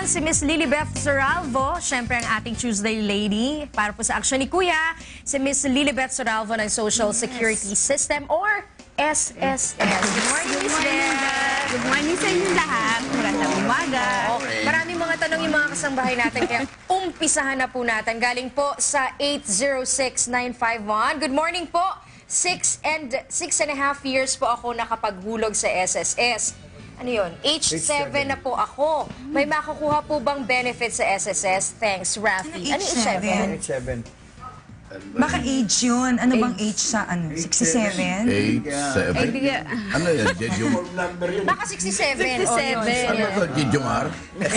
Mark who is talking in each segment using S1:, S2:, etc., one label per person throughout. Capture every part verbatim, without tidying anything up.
S1: naman si Miss Lilibeth Soralvo, syempre ang ating Tuesday lady. Para po sa aksyon ni Kuya, si Miss Lilibeth Soralvo ng Social Security System or S S S. Good morning, Miss Beth.
S2: Good morning sa inyo lahat. Magandang umaga.
S1: Okay. Maraming mga tanong yung mga kasambahay natin, kaya umpisahan na po natin. Galing po sa eight zero six nine five one. Good morning po. Six and, six and a half years po ako nakapaghulog sa S S S. Ano yun? H seven na po ako. May makukuha po bang benefit sa S S S? Thanks, Rafi. Ano H seven?
S3: H seven.
S4: Baka age yun. Ano bang age sa ano? sixty-seven?
S5: eight, seven. Ano yan? Jejong?
S1: Baka sixty-seven.
S2: sixty-seven.
S5: Ano to? Jejomar?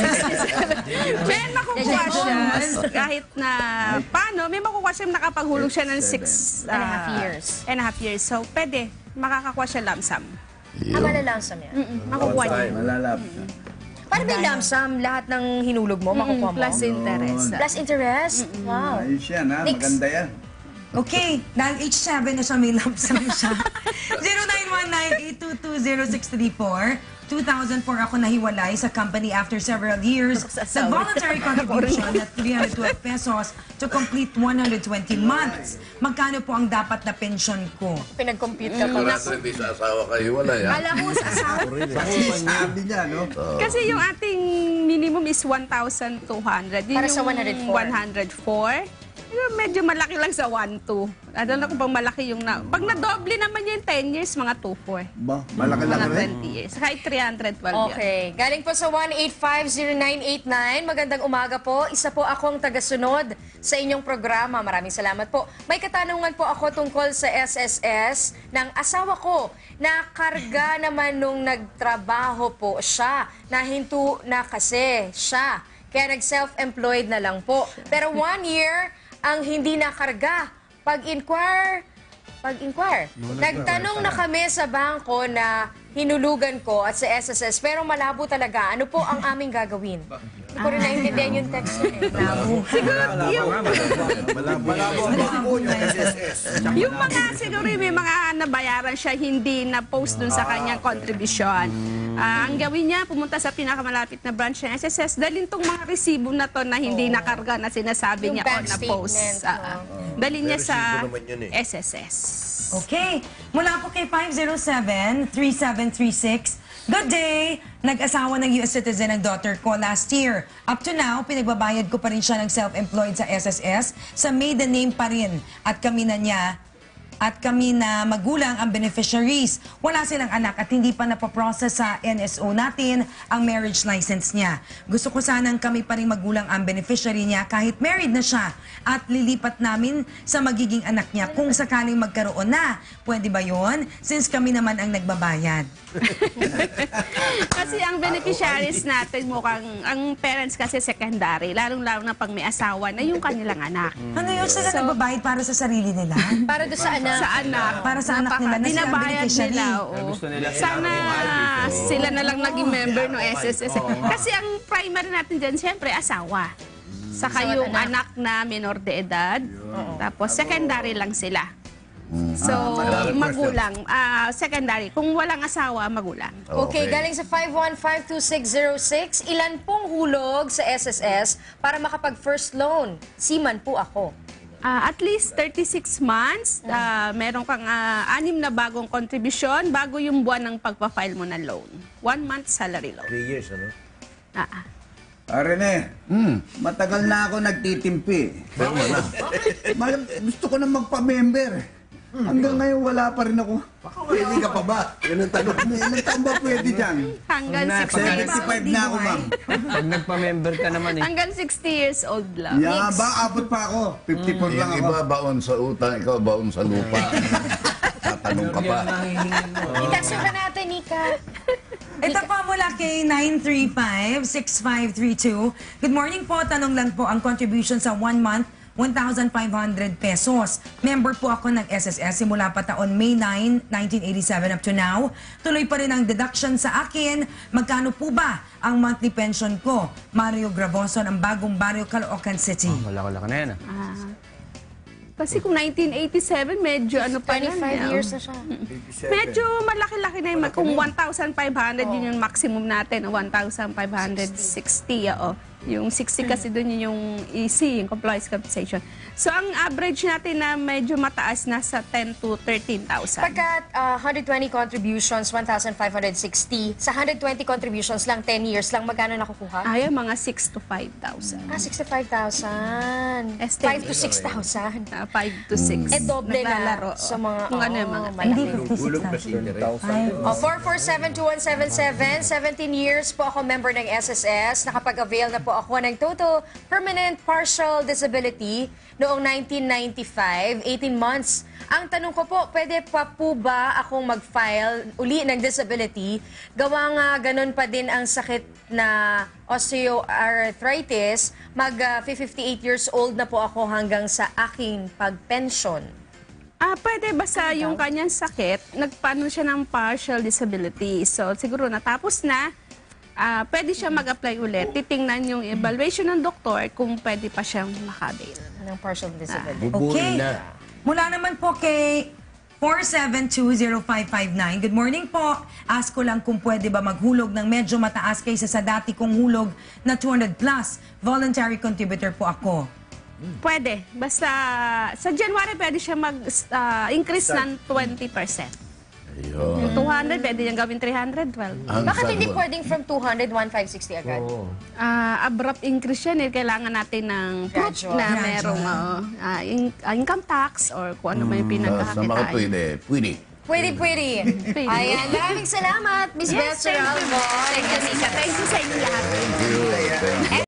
S2: May makukuha siya kahit na paano, may makukuha siya nakapaghulog siya ng six
S1: And a half years.
S2: And a half years. So, pwede. Makakakuha siya lump sum.
S1: Ah, malalansam yan.
S2: Mm -mm, makukuha niya.
S3: Malalap.
S1: Paano ba yung lump sum? Lahat ng hinulog mo, makukuha mo?
S2: Plus interest.
S1: Plus interest? Wow.
S3: Ayos yan, ha?
S1: Next.
S3: Maganda yan.
S4: Okay, dahil H seven na siya, may lump sum siya. zero nine one nine eight two two zero six three four. two thousand four ako nahiwalay sa company after several years. Sa voluntary contribution na three hundred twelve pesos to complete one hundred twenty months. Magkano po ang dapat na pension ko?
S1: Pinag-compute ka pa.
S5: Sigurado hindi sa asawa kayo, wala yan.
S1: Alam mo sa asawa.
S3: Sabi niya, no?
S2: Kasi yung ating minimum is one thousand two hundred. Yun
S1: Para sa
S2: yung
S1: one hundred four.
S2: one hundred four. Yung medyo malaki lang sa one two. Ano na kung pang malaki yung na... Pag na-doble naman yung ten years, mga two four.
S3: Ba, malaki lang
S2: Mga
S3: rin.
S2: twenty years. Kahit three hundred twelve yun.
S1: Okay. Galing po sa one eight five zero nine eight nine. Magandang umaga po. Isa po akong tagasunod sa inyong programa. Maraming salamat po. May katanungan po ako tungkol sa S S S ng asawa ko. Nakarga naman nung nagtrabaho po siya. Nahinto na kasi siya. Kaya nag-self-employed na lang po. Pero one year ang hindi nakarga. Pag-inquire, pag-inquire. Nagtanong na kami sa bangko na hinulugan ko at sa S S S, pero malabo talaga. Ano po ang aming gagawin? Hindi ko rin naintindihan yung text yun eh.
S2: Siguro yung,
S3: Malabo ang bangko niya, S S S.
S2: yung mga siguro yung may mga nabayaran siya hindi na post dun sa kanyang contribution. Ah, ang gawin niya, pumunta sa pinakamalapit na branch ng S S S, dalhin tong mga resibo na to na hindi nakarga na sinasabi
S1: Yung
S2: niya o
S1: bank
S2: na post.
S1: statement,
S2: Ah, ah. Dalhin niya sa S S S.
S4: Okay, mula po kay five zero seven three seven three six. Good day! Nag-asawa ng U S citizen ang daughter ko last year. Up to now, pinagbabayad ko pa rin siya ng self-employed sa S S S. Sa maiden name pa rin. At kami na niya at kami na magulang ang beneficiaries. Wala silang anak at hindi pa napaprocess sa N S O natin ang marriage license niya. Gusto ko sanang kami pa rin magulang ang beneficiary niya kahit married na siya at lilipat namin sa magiging anak niya kung sakaling magkaroon na. Pwede ba yon? Since kami naman ang nagbabayad.
S2: Kasi ang beneficiaries natin mukhang, ang parents kasi secondary, lalong-lalo na pag may asawa na yung kanilang anak.
S4: Ano yun? Sila nagbabayad para sa sarili nila?
S1: Para doon sa anak.
S2: Sa anak.
S4: Para sa anak nila na sila ang
S2: Binabayad
S4: beneficiary.
S2: nila, oo. Sana sila na lang naging member ng S S S. Kasi ang primary natin dyan, siyempre, asawa. Saka yung anak na minor de edad. Tapos secondary lang sila. So, magulang. ah, secondary. Kung walang asawa, magulang.
S1: Okay, galing sa five one five two six zero six, ilan pong hulog sa S S S para makapag-first loan? Seaman po ako.
S2: Ah, at least thirty-six months, ah, meron kang ah, anim na bagong contribution bago yung buwan ng pagpa-file mo ng loan. One month salary loan.
S6: Three years, ano?
S2: Ah, ah.
S3: Ah, Rene, matagal na ako nagtitimpi. Mal- Gusto ko na magpa-member. Hanggang ngayon wala pa rin ako.
S6: Pwede ka pa ba? Yan ang tanong.
S3: Ilang taon ba pwede dyan?
S2: Hanggang sixty,
S3: seventy-five na ako, ma'am.
S7: Pag nagpa-member ka naman eh.
S2: hanggang sixty years old lang.
S3: Yeah, ba, abot pa ako. fifty-four lang
S5: Yung
S3: ako.
S5: iba baon sa utang, ikaw baon sa lupa. Tatanong ka pa.
S1: I-text ka natin, Nika.
S4: Ito po mula kay nine three five six five three two. Good morning po. Tanong lang po ang contribution sa one month, one thousand five hundred pesos. Member po ako ng S S S simula pa taon May ninth, nineteen eighty-seven up to now. Tuloy pa rin ang deduction sa akin. Magkano po ba ang monthly pension ko? Mario Gravoson, ang bagong barrio, Caloocan City.
S7: Wala ko lang na yan ah.
S2: Ah. Kasi kung nineteen eighty-seven, medyo ano pa yan.
S1: twenty-five
S2: eh,
S1: years na siya.
S2: Medyo malaki-laki na yun. Kung one thousand five hundred, yun yung maximum natin. one thousand five hundred sixty, oo. Yung sixty kasi doon yun yung E C, yung compliance compensation. So, ang average natin na medyo mataas, nasa ten to thirteen thousand.
S1: Pagka uh, one hundred twenty contributions, one thousand five hundred sixty, sa one hundred twenty contributions lang, ten years lang, magkano nakukuha?
S2: Ay, mga six to five thousand.
S1: Ah, sixty-five thousand.
S2: Estimate.
S1: five to six thousand.
S2: Uh, five to six.
S1: Eh, doble
S2: Naglalaro.
S1: na sa mga,
S2: Kung ano yung
S1: oh,
S2: mga
S1: malaki.
S6: Hulog na si interest.
S1: Oh, four four seven two one seven seven. seventeen years po ako member ng S S S. Nakapag-avail na po ako ng total permanent partial disability noong nineteen ninety-five, eighteen months. Ang tanong ko po, pwede pa po ba akong mag-file uli ng disability? Gawa nga ganun pa din ang sakit na osteoarthritis. Mag uh, fifty-eight years old na po ako hanggang sa aking pag-pension.
S2: Ah, pwede basta yung kanyang sakit, nagpaano siya ng partial disability. So, siguro natapos na, ah, pwede siya mag-apply ulit. Titingnan yung evaluation ng doktor kung pwede pa siyang makabail.
S1: Ng partial disability.
S4: Okay. Mula naman po kay four seven two zero five five nine. Good morning po. Ask ko lang kung pwede ba maghulog ng medyo mataas kaysa sa dati kong hulog na two hundred plus. Voluntary contributor po ako.
S2: Pwede. Basta sa January pwede siya mag-increase ng twenty percent.
S5: Ayun.
S2: Yung two hundred, pwede niyang gawin three hundred twelve.
S5: Ang
S1: Bakit hindi
S5: sagot.
S1: pwedeng from two hundred, one five sixty agad?
S2: Ah, abrupt increase yan. Eh. Kailangan natin ng proof
S1: Gradual.
S2: na
S4: Gradual.
S2: merong ah, ah, in- ah, income tax or kung ano man yung
S5: Sa, sa mga
S2: pinagkakakitaan.
S5: pwede, pwede.
S1: Pwede, pwede.
S2: Pwede.
S1: Ayan, maraming salamat, Miss
S2: Yes,
S1: Beth
S2: thank you.
S1: Serralvo.
S2: Thank you, Mika. Thank you sa inyo lahat.
S5: Thank you. Thank you.